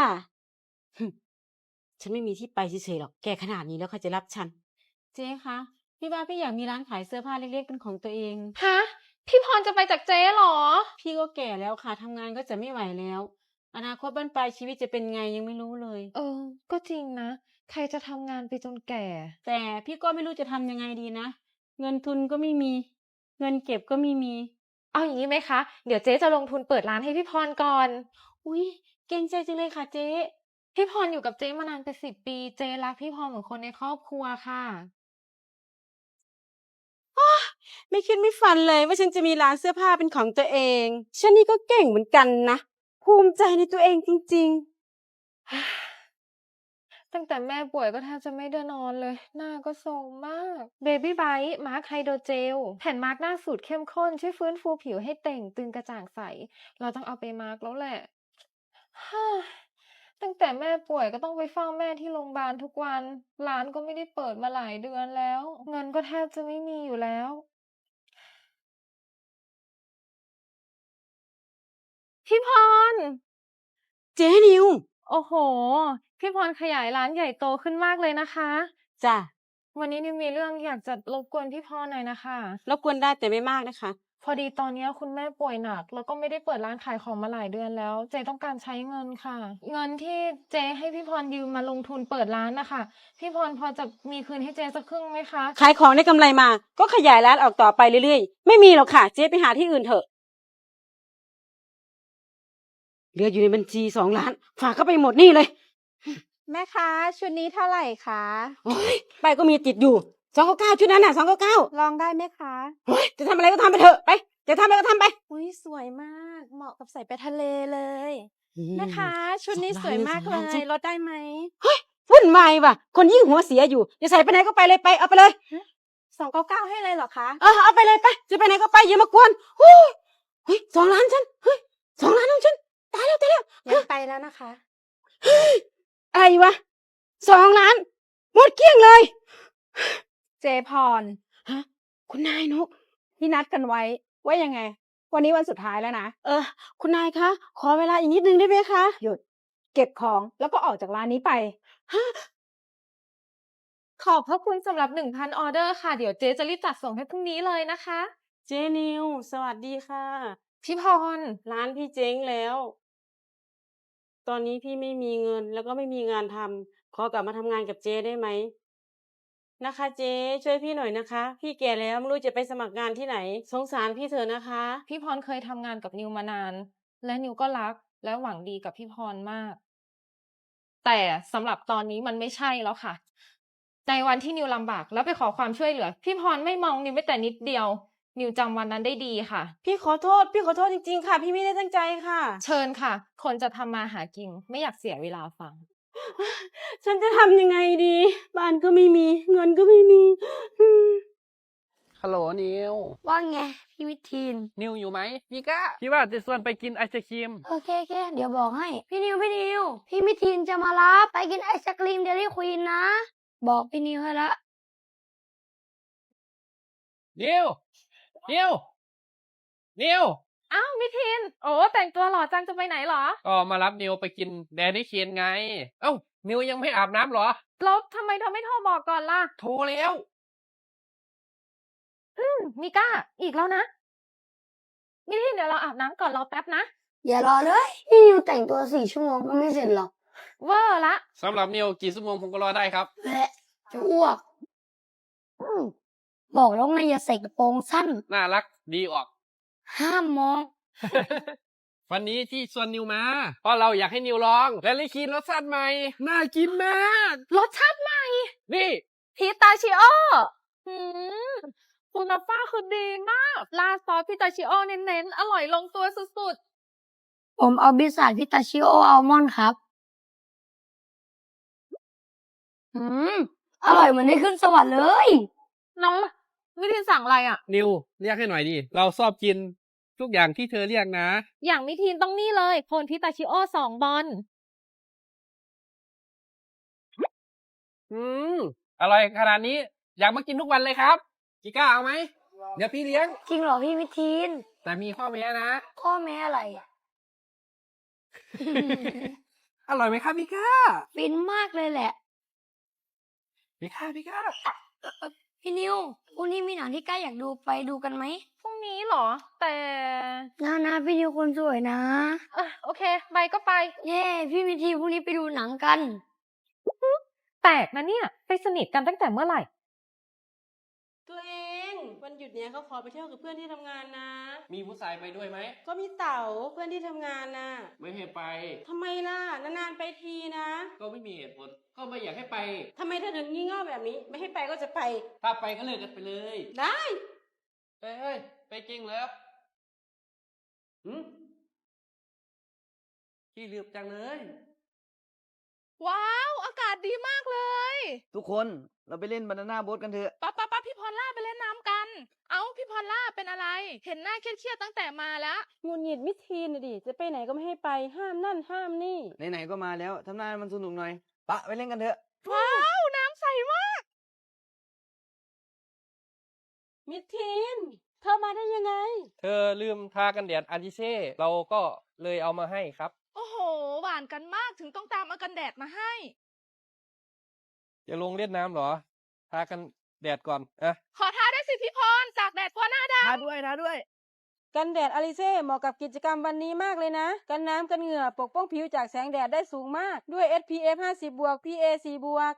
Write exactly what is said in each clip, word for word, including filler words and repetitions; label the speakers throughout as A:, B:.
A: หึฉันไม่มีที่ไปเฉยๆหรอกแก่ขนาดนี้แล้วใครจะรับฉัน เจ๊คะพี่ว่าพี่อยากมีร้านขายเสื้อผ้าเล็กๆเป็นของตัวเอง
B: ฮะ พี่พรจะไปจากเจ๊เหรอ
A: พี่ก็แก่แล้วค่ะทำงานก็จะไม่ไหวแล้ว อนาคตบ้านปลายชีวิตจะเป็นไงยังไม่รู้เลย
B: เออ ก็จริงนะ ใครจะทำงานไปจนแก่
A: แต่พี่ก็ไม่รู้จะทำยังไงดีนะ เงินทุนก็ไม่มี เงินเก็บก็ไม่มี
B: เอาอย่างนี้ไหมคะ เดี๋ยวเจ๊จะลงทุนเปิดร้านให้พี่พรก่อน
A: อุ๊ยเกรงใจจังเลยค่ะเจ๊
B: พี่พรอยู่กับเจ๊มานานเป็นสิบปี เจ๊รักพี่พรเหมือนคนในครอบครัวค่ะ
A: ไม่คิดไม่ฝันเลยว่าฉันจะมีร้านเสื้อผ้าเป็นของตัวเอง ฉันนี่ก็เก่งเหมือนกันนะ ภูมิใจในตัวเองจริง
B: ตั้งแต่แม่ป่วยก็แทบจะไม่ได้นอนเลย หน้าก็โทรมมาก Baby Bite มาร์คไฮโดรเจล แผ่นมาร์คหน้าสูตรเข้มข้น ช่วยฟื้นฟูผิวให้เต่งตึงกระจ่างใส เราต้องเอาไปมาร์คแล้วแหละ ฮ่า ตั้งแต่แม่ป่วยก็ต้องไปเฝ้าแม่ที่โรงพยาบาลทุกวัน ร้านก็ไม่ได้เปิดมาหลายเดือนแล้ว เงินก็แทบจะไม่มีอยู่แล้ว พี่พร
A: ๆ เจ๊นิว
B: โอ้โห พี่พรขยายร้านใหญ่โตขึ้นมากเลยนะคะ
A: จ้ะ
B: วันนี้นิวมีเรื่องอยากจะรบกวนพี่พรหน่อยนะคะ
A: รบกวนได้แต่ไม่มากนะคะ
B: พอดีตอนนี้คุณแม่ป่วยหนัก แล้วก็ไม่ได้เปิดร้านขายของมาหลายเดือนแล้ว เจ๊ต้องการใช้เงินค่ะ เงินที่เจ๊ให้พี่พรยืมมาลงทุนเปิดร้านนะคะพี่พรพอจะมีคืนให้เจ๊สักครึ่งไหมคะ
A: ขายของได้กำไรมา ก็ขยายร้านออกต่อไปเรื่อยๆ ไม่มีหรอกค่ะ เจ๊ไปหาที่อื่นเถอะ เหลืออยู่ในบัญชีสองล้าน ฝากเข้าไปหมดนี่เลย
C: แม่คะชุดนี้เท่าไหร่คะ
A: โอ้ยไปก็มีติดอยู่สองเก้าเก้าชุดนั้นน่ะสองเก้าเก้า
C: ลองได้ไหมคะ
A: โอ้ยจะทำอะไรก็ทำไปเถอะไป จะทำอะไรก็ทำไป
C: อุ้ยสวยมาก เหมาะกับใส่ไปทะเลเลย
A: อืม
C: แม่คะชุดนี้
A: สอง
C: สวย
A: ล้าน
C: มาก
A: สอง
C: เล
A: ล้านใช่
C: ยลดได้ไหม
A: วุ่นวายว่ะ คนยิ่งหัวเสียอยู่จะใส่ไปไหนก็ไปเลยไป เอาไปเลย
C: สองเก้าเก้าให้เลยเหรอคะ
A: เออเอาไปเลยไป จะไปไหนก็ไปอย่ามากวนโอ้ยเฮ้ยสองล้านฉัน เฮ้ยสองล้านของฉัน ตายแล้วตายแล้ว
C: ยังไปแล้วนะคะ
A: อะไรวะสองล้าน หมดเกลี้ยงเลย
C: เจพร
A: ฮะ คุณนายนก
C: ที่นัดกันไว้ ว่ายังไง วันนี้วันสุดท้ายแล้วนะ
A: เออ คุณนายคะ ขอเวลาอีกนิดนึงได้ไหมคะ
C: หยุด เก็บของแล้วก็ออกจากร้านนี้ไป
B: ขอบพระคุณสำหรับหนึ่งพันออเดอร์ค่ะ เดี๋ยวเจ๊จะรีบจัดส่งให้พรุ่งนี้เลยนะคะ
A: เจนิว สวัสดีค่ะ
B: พี่พร
A: ร้านพี่เจ๊งแล้ว ตอนนี้พี่ไม่มีเงินแล้วก็ไม่มีงานทำ ขอกลับมาทำงานกับเจ๊ได้ไหม นะคะเจ๊ช่วยพี่หน่อยนะคะ พี่แก่แล้วไม่รู้จะไปสมัครงานที่ไหน สงสารพี่เถอะนะคะ
B: พี่พรเคยทำงานกับนิวมานาน และนิวก็รักและหวังดีกับพี่พรมาก แต่สำหรับตอนนี้มันไม่ใช่แล้วค่ะ ในวันที่นิวลำบากแล้วไปขอความช่วยเหลือ พี่พรไม่มองนิวแม้แต่นิดเดียว นิวจำวันนั้นได้ดีค่ะ
A: พี่ขอโทษ พี่ขอโทษจริงๆค่ะ พี่ไม่ได้ตั้งใจค่ะ
B: เชิญค่ะ คนจะทำมาหากินไม่อยากเสียเวลาฟัง
A: ฉันจะทำยังไงดี บ้านก็ไม่มี เงินก็ไม่มีอืม
D: ฮัลโหลนิว
E: ว่าไงพี่วิทีน
D: นิวอยู่ไหมพี่ก้าพี่ว่าจะชวนไปกินไอศครีม
E: โอเคโอเคเดี๋ยวบอกให้ พี่นิวพี่นิว พี่วิทีนจะมารับไปกินไอศกรีมเดลี่ควีนนะ บอกพี่นิวให้ละ
D: นิว นิว นิว
B: อ้าวมิทิน โอ้แต่งตัวหล่อจังจะไปไหนเหรอ
D: ก็มารับนิวไปกินแดนนี่เคนไง เอ้า นิวยังไม่อาบน้ำเหรอ
B: แล้วทำไมเธอไม่โทรบอกก่อนล่ะ
D: โทรแล้ว
B: อืมมิก้า อีกแล้วนะ มิทินเดี๋ยวเราอาบน้ำก่อนรอแป๊บนะ
E: อย่ารอเลย พี่นิวแต่งตัวสี่ชั่วโมงก็ไม่เสร็จหรอก
B: เวอร์ละ
D: สำหรับนิวกี่ชั่วโมงผมก็รอได้ครับ
E: แหละจะอ้วกอืมบอกแล้วไงอย่าใส่กระโปรงสั้น
D: น่ารักดีออก
E: ห้ามมอง
D: วันนี้ที่ชวนนิวมา เพราะเราอยากให้นิวลองแดนนี่เคนรสชาติใหม่ น่ากินมาก
B: รสชาติใหม่
D: นี่
B: พิตาชิโอหืมคุณภาพคือดีมากราดซอสพิตาชิโอเน้นๆ อร่อยลงตัวสุด
E: ผมเอาบิสซาพิตาชิโออัลมอนด์ครับ อืม อร่อยเหมือนได้ขึ้นสวรรค์เลย
B: ๆ น้องมิทินสั่งอะไรอ่ะ
D: นิวเรียกให้หน่อยดิ เราชอบกินทุกอย่างที่เธอเรียกนะ
B: อย่างมิทินต้องนี่เลยโคนพิตาชิโอสองบอล
D: อืมอร่อยขนาดนี้ อยากมากินทุกวันเลยครับกิก้าเอาไหม เดี๋ยวพี่เลี้ยง
E: จริงเหรอพี่วิทีน
D: แต่มีข้อแม้นะ
E: ข้อแม้อะไรอะ
D: อร่อยไหมครับพี่ก้า
E: ฟินมากเลยแหละ
D: พี่ก้าพี่ก้า
E: เอ่อเอ่อพี่นิวพรุ่งนี้มีหนังที่ก้าอยากดูไปดูกันไหม
B: พรุ่งนี้เหรอ แต่
E: นะนะพี่นิวคนสวยนะ
B: อ่ะโอเค ไปก็ไป
E: เย้พี่มิทีพรุ่งนี้ไปดูหนังกัน
B: แปลกนะเนี่ย ไปสนิทกันตั้งแต่เมื่อไหร่
A: ตัวเอง วันหยุดเนี้ยเขาขอไปเที่ยวกับเพื่อนที่ทำงานนะ
D: มีผู้ชายไปด้วยไหม
A: ก็มีเต๋าเพื่อนที่ทำงานน่ะ
D: ไม่ให้ไป
A: ทำไมล่ะ นานๆไปทีนะ
D: ก็ไม่มีเหตุผล ก็ไม่อยากให้ไป
A: ทำไมเธอถึงงี่เง่าแบบนี้ ไม่ให้ไปก็จะไป
D: ถ้าไปก็เลิกกันไปเลย
A: ได้
D: เอ้ยเอ้ยไปจริงเหรอหืมขี้ลืมจังเลย
F: ว้าว อากาศดีมากเลย
G: ทุกคนเราไปเล่นบานาน่าโบ๊ทกันเถอะ
F: ป้าป้าป้าพี่พรล่าไปเล่นน้ำกัน เอ้าพี่พรล่าเป็นอะไร เห็นหน้าเครียดๆตั้งแต่มาแล้ว
A: หงุดหงิดมิทีนน่ะดิ จะไปไหนก็ไม่ให้ไป ห้ามนั่นห้ามนี่
G: ไหนๆก็มาแล้วทำหน้าให้มันสนุกหน่อยปะไปเล่นกันเถอะ
F: ว้าว น้ำใสมาก
A: มิทีน เธอมาได้ยังไง
D: เธอลืมทากันแดดอาริเซ่ เราก็เลยเอามาให้ครับ
F: โอ้โห หวานกันมากถึงต้องตามเอากันแดดมาให้
D: จะลงเล่นน้ำเหรอ ทากันแดดก่อนอ่ะ
F: ขอท้าด้วยสิพี่พร จากแดดกลัวหน้าด
G: ท้าด้วยท้าด้วย
A: กันแดดอลิเซ่เหมาะกับกิจกรรมวันนี้มากเลยนะ กันน้ำกันเหงื่อปกป้องผิวจากแสงแดดได้สูงมาก ด้วย เอส พี เอฟ ห้าสิบ บวก พี เอ สี่ บวก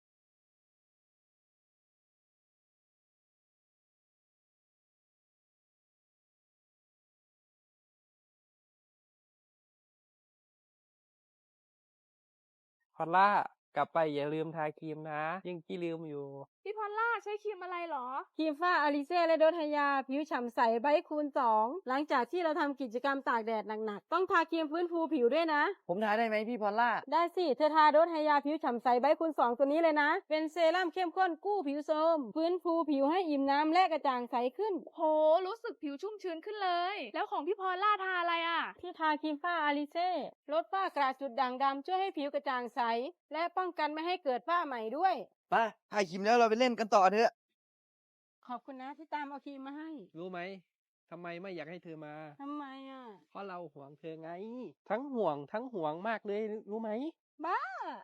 D: พอลล่ากลับไปอย่าลืมทาครีมนะ ยังกี้ลืมอยู่
F: ำพี่พรล่าใช้ครีมอะไรเหรอ
A: ครีมฝ้าอลิเซ่และโดทายา ผิวฉ่ำใสไบท์คูณสอง หลังจากที่เราทำกิจกรรมตากแดดหนักๆ ต้องทาครีมฟื้นฟูผิวด้วยนะ
G: ผมท้าได้ไหมพี่พอลล่า
A: ได้สิ เธอทาโดทายาผิวฉ่ำใสไบท์คูณสองตัวนี้เลยนะ เป็นเซรั่มเข้มข้นกู้ผิวโทรมฟื้นฟูผิวให้อิ่มน้ำและกระจ่างใสขึ้น
F: โห รู้สึกผิวชุ่มชื้นขึ้นเลย แล้วของพี่พรล่าทาอะไรอ่ะ
A: ที่ทาครีมฝ้าอลิเซ่ลดฝ้ากระจุดด่างดำช่วยให้ผิวกระจ่างใส และป้องกันไม่ให้เกิดฝ้าใหม่ด้วย
G: ไปถ่ายคลิปแล้วเราไปเล่นกันต่อเถอะ
A: ขอบคุณนะที่ตามเอาครีมมาให้
D: รู้ไหมทำไมไม่อยากให้เธอมา
A: ทำไมอ่ะ
D: เพราะเราห่วงเธอไง ทั้งห่วงทั้งห่วงมากเลยรู้ไหม
A: บ้า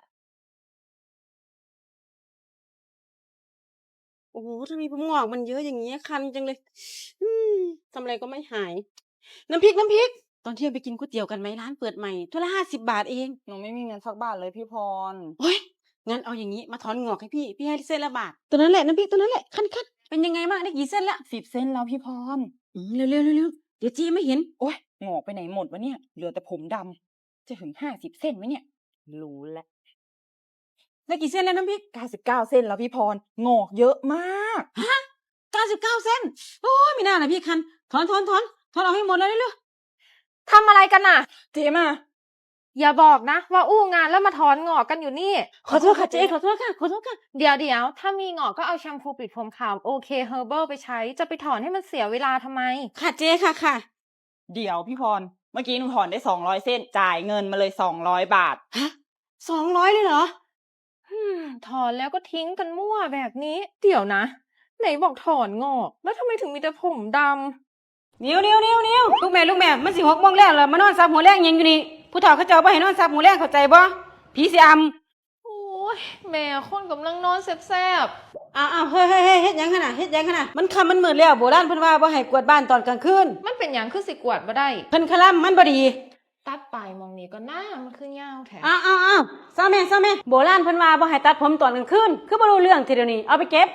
A: โอ้โหทำไมผมงอกมันเยอะอย่างเงี้ยคันจังเลย อืมทำอะไรก็ไม่หาย น้ำพริกน้ำพริก ตอนเที่ยงไปกินก๋วยเตี๋ยวกันไหมร้านเปิดใหม่ถ้วยละห้าสิบบาทเอง
C: หนูไม่มีเงินสักบาทเลยพี่พร
A: โอ้ยงั้นเอาอย่างนี้มาถอนงอกให้พี่ พี่ให้เส้นละบาท ตัวนั้นแหละน้ำพริกตัวนั้นแหละคันคันเป็นยังไงบ้างได้กี่เส้นละ
C: สิบเส้นแล้วพี่พร
A: อืมเร็วเร็วเร็วเร็วเดี๋ยวจีไม่เห็น
C: โอ้ยงอกไปไหนหมดวะเนี่ย เหลือแต่ผมดำ จะถึงห้าสิบเส้นไหมเนี่ย รู้แล้ว
A: ได้กี่เส้นแล้วน้ำพริก
C: เก้าสิบเก้าเส้นแล้วพี่พร งอกเยอะมาก
A: เก้าสิบเก้าเส้น โอ้ยไม่น่านะพี่คัน ถอนถอนถอนถอนออกให้หมดเลยเร็ว
B: ทำอะไรกันน่ะ
C: เจ๊มา
B: อย่าบอกนะ ว่าอู้งานแล้วมาถอนงอกกันอยู่นี่
A: ขอโทษค่ะเจ๊ขอโทษค่ะขอโทษค่ะ
B: เดี๋ยวเดี๋ยวถ้ามีงอกก็เอาแชมพูปิดผมขาวโอเคเฮอร์เบิลไปใช้ จะไปถอนให้มันเสียเวลาทำไม
A: ค่ะเจ๊ค่ะค่ะ
C: เดี๋ยวพี่พร เมื่อกี้หนูถอนได้สองร้อยเส้น จ่ายเงินมาเลยสองร้อยบาท
A: ฮะสองร้อยเลยเหรอ
B: อืมถอนแล้วก็ทิ้งกันมั่วแบบนี้ เดี๋ยวนะ ไหนบอกถอนงอก แล้วทำไมถึงมีแต่ผมดำ
A: นิ้วนิ้วนิ้วนิ้วลูกแม่ลูกแม่มันสิหกโมงแล้วเหรอมานอนซับหัวแรงยังอยู่นี่ผู้เฒ่าเขาเจ้าบ่ให้นอนซับหัวแรงเข้าใจบ่ผีสิอำ
B: โอ้ยแม่คนกำลังนอนแซบ
A: อ้าวอ้าวเฮ้ยเฮ้ยเฮ้ยเฮ็ดหยังขนาดเฮ็ดหยังขนาดมันค่ำมันมืดแล้วโบราณเพิ่นว่าบ่ให้กวาดบ้านตอนกลางคืน
B: ๆมันเป็นอย่างคือสิกวาดบ่ได้
A: เพิ่นคลั่มมันบ่ดี
B: ตัดปลายมองนี้ก็หน้ามันคือยาวแท้
A: อ้าวอ้าวอ้าวซาแม่ซาแม่โบราณเพิ่นว่าบ่ให้ตัดผมตอนกลางคืนคือบ่รู้เรื่องทีเดียวนี้เอาไปเก็บ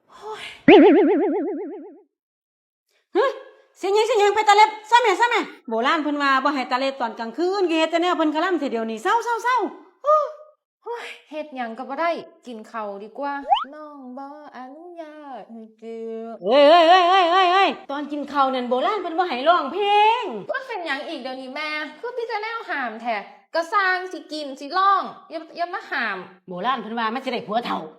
A: ฮะเสียงหยังเสียงหยังไปตาเล็บซาแม่ซาแม่โบราณเพิ่นว่าบ่ให้ตาเล็บตอนกลางคืนคือเฮ็ดแต่แนวเพิ่นคลั่มทีเดียวนี้เศร้าเศร้าเศร้า
B: เฮ็ดหยังก็บ่ได้ กินข้าวดีกว่า น้องบ่อนุญาตให้เจือ
A: เอ้ยเอ้ยเอ้ยเอ้ยเอ้ยเอ้ยตอนกินข้าวนั่นโบราณเพิ่นบ่ให้ร้องเพลง
B: มันเป็นหยังอีกเดี๋ยวนี้แม่ คือพี่จะแนวหามแท้ก็สร้างสิกินสิร้องอย่าอย่ามาหาม
A: โบราณเพิ่นว่ามันสิได้ผัวเฒ่า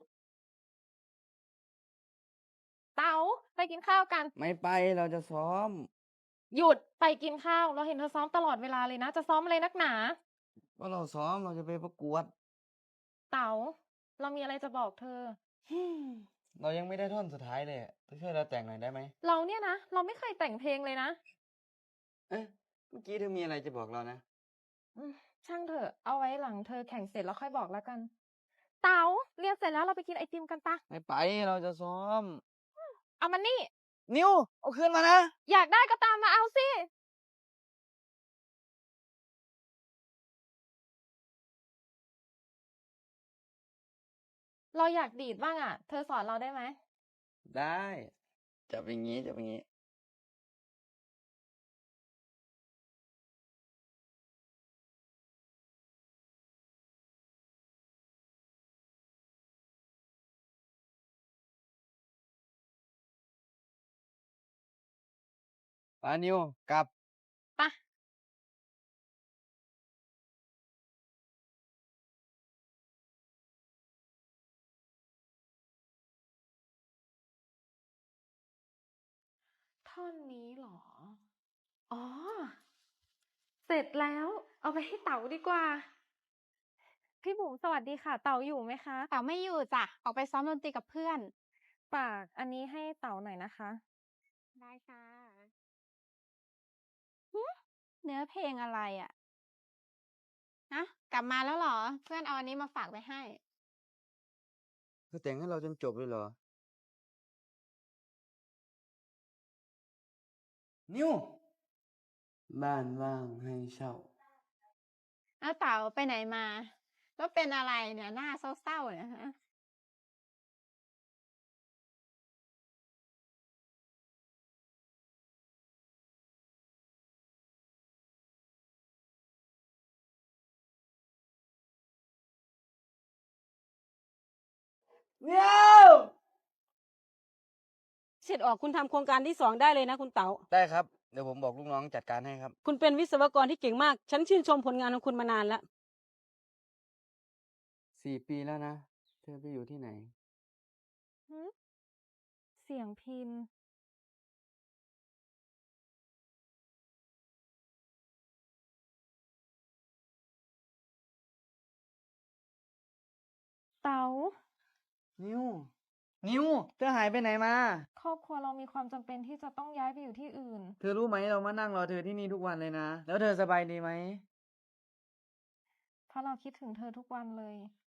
B: เต๋าไปกินข้าวกัน
G: ไม่ไปเราจะซ้อม
B: หยุดไปกินข้าว เราเห็นเธอซ้อมตลอดเวลาเลยนะ จะซ้อมอะไรนักหนา
G: ว่าเราซ้อมเราจะไปประกวด
B: เต๋าเรามีอะไรจะบอกเธอ
G: เรายังไม่ได้ท่อนสุดท้ายเลยเธอช่วยเราแต่งหน่อยได้ไหม
B: เราเนี่ยนะ เราไม่เคยแต่งเพลงเลยนะ
G: เอ๊ะเมื่อกี้เธอมีอะไรจะบอกเรานะ
B: อืมช่างเถอะ เอาไว้หลังเธอแข่งเสร็จแล้วค่อยบอกแล้วกัน เต๋าเรียนเสร็จแล้วเราไปกินไอติมกันปะ
G: ไม่ไปเราจะซ้อม
B: เอามานี่
G: นิวเอาคืนมานะ
B: อยากได้ก็ตามมาเอาสิ เราอยากดีดบ้างอ่ะ เธอสอนเราได้ไหม
G: ได้จับอย่างงี้จับอย่างงี้ ปานิวกลับ
B: ปะ ท่อนนี้เหรอ อ๋อ เสร็จแล้ว เอาไปให้เต๋าดีกว่า พี่บุ๋มสวัสดีค่ะ เต๋าอยู่ไหมคะ
H: เต๋าไม่อยู่จ้ะ ออกไปซ้อมดนตรีกับเพื่อน
B: ฝากอันนี้ให้เต๋าหน่อยนะคะ
H: ได้ค่ะหือเนื้อเพลงอะไรอะ ฮะ กลับมาแล้วเหรอ เพื่อนเอาอันนี้มาฝากไว้ให้
G: เธอแต่งให้เราจนจบเลยเหรอ นิว บ้านว่างให้เช่า
H: แล้วเต๋าไปไหนมา แล้วเป็นอะไรเนี่ย หน้าเศร้าๆเนี่ยฮะ
G: นิว
A: เสร็จออกคุณทำโครงการที่สองได้เลยนะคุณเต๋า
G: ได้ครับ เดี๋ยวผมบอกลูกน้องจัดการให้ครับ
A: คุณเป็นวิศวกรที่เก่งมาก ฉันชื่นชมผลงานของคุณมานานแล้ว
G: สี่ปีแล้วนะ เธอไปอยู่ที่ไหน
B: หือ เสียงพิน เต๋า
G: นิว นิว เธอหายไปไหนมา
B: ครอบครัวเรามีความจำเป็นที่จะต้องย้ายไปอยู่ที่อื่น
G: เธอรู้ไหมเรามานั่งรอเธอที่นี่ทุกวันเลยนะ แล้วเธอสบายดีไหม
B: เพราะเราคิดถึงเธอทุกวันเลย